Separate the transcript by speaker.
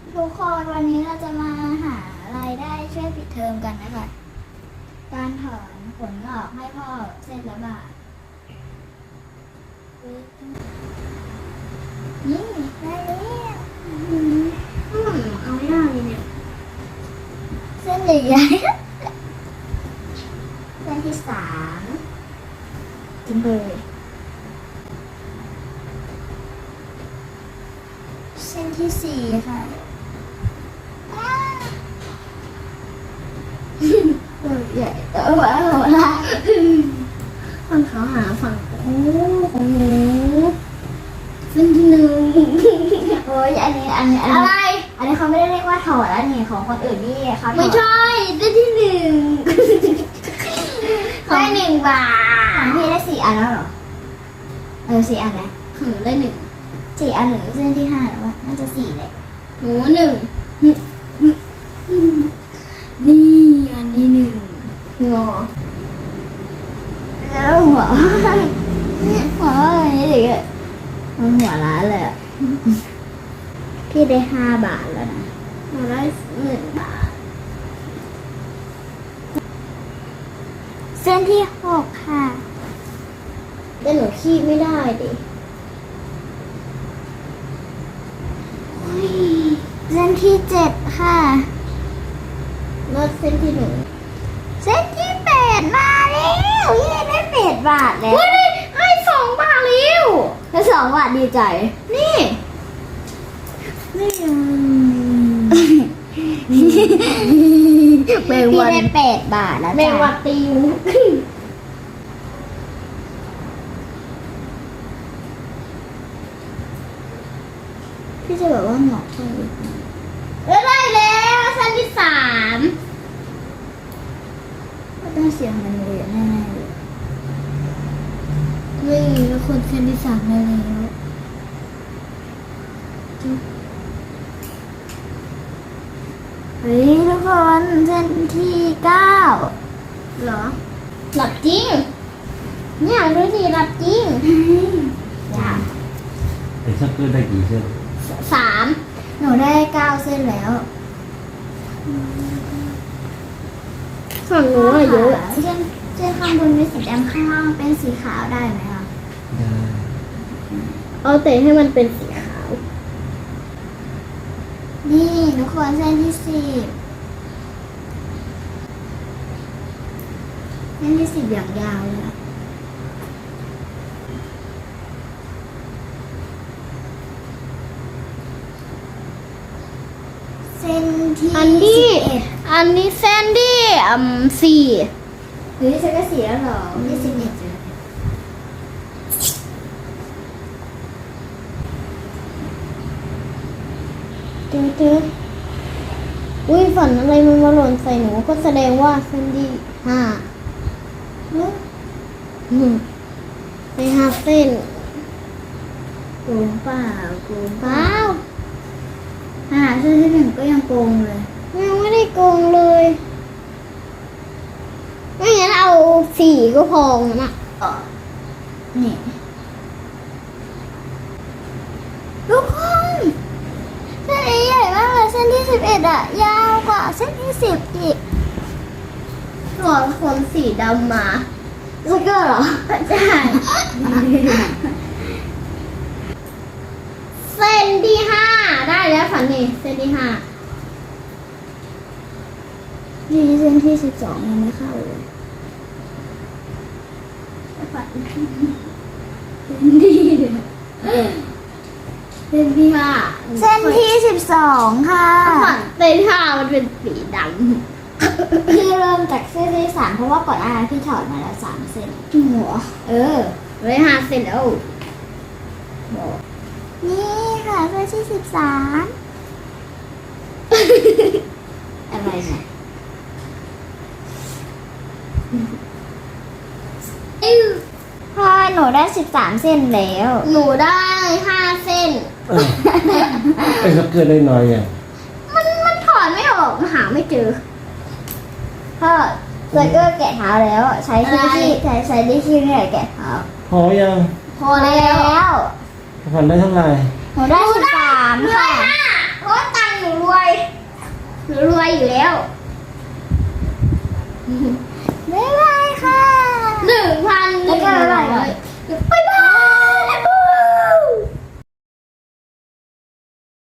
Speaker 1: ทุกคนวันนี้เราจะมาหารายได้ช่วยปิดเทอมกันนะคะการถอนขนงอกให้พ่อเส้นละบาทนี่ได้แล้ว
Speaker 2: เอาไม่ได้เลยเนี่ย
Speaker 1: เส้นใหญ่ๆเส้นที่3จำเลยเส้นที่4ค่ะตัวใหญ่ตัวว่าหัวละ
Speaker 2: ฝั่งเขาหาฝั่งโอ้ของหนูเส้นที่1
Speaker 1: โอ้ยอันนี้
Speaker 2: อะไร
Speaker 1: อันนี้เขาไม่ได้เรียกว่าถอดแล้วนี่ของคนอื่นนี่เขาถอด
Speaker 2: ไม่ใช่เส้นที่1
Speaker 1: ได้1 บาทของพี่ได้4 อันแล้วเหรอ4 อันแล้ว
Speaker 2: ของหนูได้
Speaker 1: 4 อันหรือเส้นที่5แล้ววะน่าจะ4เลย
Speaker 2: 1หนู1นี่อันนี้1งอ
Speaker 1: แล้วหัวอะไรนี่เด็กมันหัวร้านเลยอ่ะพี่ได้5 บาทแล้วนะ
Speaker 2: หนูได้1 บาท
Speaker 1: เส้นที่6ค่ะ
Speaker 2: แต่หนูขี้ไม่ได้ดิ
Speaker 1: เส้นที่7ค่ะ
Speaker 2: ลดเส้นที่1
Speaker 1: เส้นที่8มาแล้วยี่ได้8 บาทแล้ว
Speaker 2: เฮ้ยให้2 บาทแล้ว
Speaker 1: ได้2 บาทดีใจ
Speaker 2: นี่ แมง
Speaker 1: พี่
Speaker 2: วัน
Speaker 1: ได้8 บาทแล้ว
Speaker 2: แมงวั
Speaker 1: จ้ะ
Speaker 2: นตียุง
Speaker 1: พี่จะบอกว่าหงอกเท่าไหร่
Speaker 2: ได้แล้วเส้นที่3
Speaker 1: ก็ต้องเสียงมันเลยแน่ๆเลย
Speaker 2: เฮ้ยแล้วคนเส้นที่3ได้แล้ว
Speaker 1: เฮ้ยทุกคนเส้นที่9
Speaker 2: เหรอหลับจริงเนี่ยดูสิหลับจริง
Speaker 1: จ้ะ
Speaker 3: ไอ้ชักเกอร์ได้กี่เส้น
Speaker 2: 3
Speaker 1: หนูได้9 เส้นแล้ว
Speaker 2: ฝั่งหนูอะเยอะ
Speaker 1: เส้นข้างบนเป็นสีดำข้างล่างเป็นสีขาวได้ไหมคะ
Speaker 3: ได้
Speaker 2: เอาแต่ให้มันเป็นสีขาว
Speaker 1: นี่ทุกคนเส้นที่10เส้นที่10อย่างยาวเลยอะเส้นที่
Speaker 2: อันนี้
Speaker 1: 11
Speaker 2: อันนี้เส้นที่4
Speaker 1: หรือฉันก็4แล้วเหรอที่11จ้ะ
Speaker 2: เจออุ้ยฝันอะไรมันมาหล่นใส่หนูก็แสดงว่าเส้นที่5ไป5 เส้น
Speaker 1: โกงเปล่าโกง
Speaker 2: เปล่า
Speaker 1: เส้นที่1ก็ยังโกงเลย
Speaker 2: ยังไม่ได้โกงเลยไม่งั้นเอา4ก็พอนะ
Speaker 1: นี่ทุกคนเส้นนี้ใหญ่มากเลยเส้นที่11อะยาวกว่าเส้นที่10อีก
Speaker 2: ถอดขนสีดำมา
Speaker 1: สเกอร์เหรอ
Speaker 2: ใช่เส้นที่5ได้แล้วฝันนี่เส้นที่5
Speaker 1: นี่เส้นที่12ยังไม่เข้าเลย
Speaker 2: ฝันดีเส้นที่5
Speaker 1: เส้นที่12ค่ะ
Speaker 2: ฝันเส้นที่5มันเป็นสีด
Speaker 1: พี่เริ่มจากเส้นที่3เพราะว่าก่อนหน้านั้นพี่ถอดมาแล้ว3 เส้น
Speaker 2: ำหัว เลย5 เส้นแล้ว
Speaker 1: นี่ค่ะเส้นที่13อะไรเนี่ยพอหนูได้13 เส้นแล้ว
Speaker 2: หนูได้5 เส้น
Speaker 3: ไอ้ชักเกอร์ได้น้อยไง
Speaker 2: มันถอนไม่ออกหาไม่เจอ
Speaker 1: พ่อเซอร์เกอร์แกะเท้าแล้วใช้ที่ใช้ดิชี่เนี่ยแกะเท้า
Speaker 3: พอยัง
Speaker 2: พอแล้ว
Speaker 3: พันได้เท่าไหร่
Speaker 1: หนูได้13ค่ะ
Speaker 2: เพราะว่าตังค์หนูร
Speaker 1: อยู่แล้ว บ๊ายบาย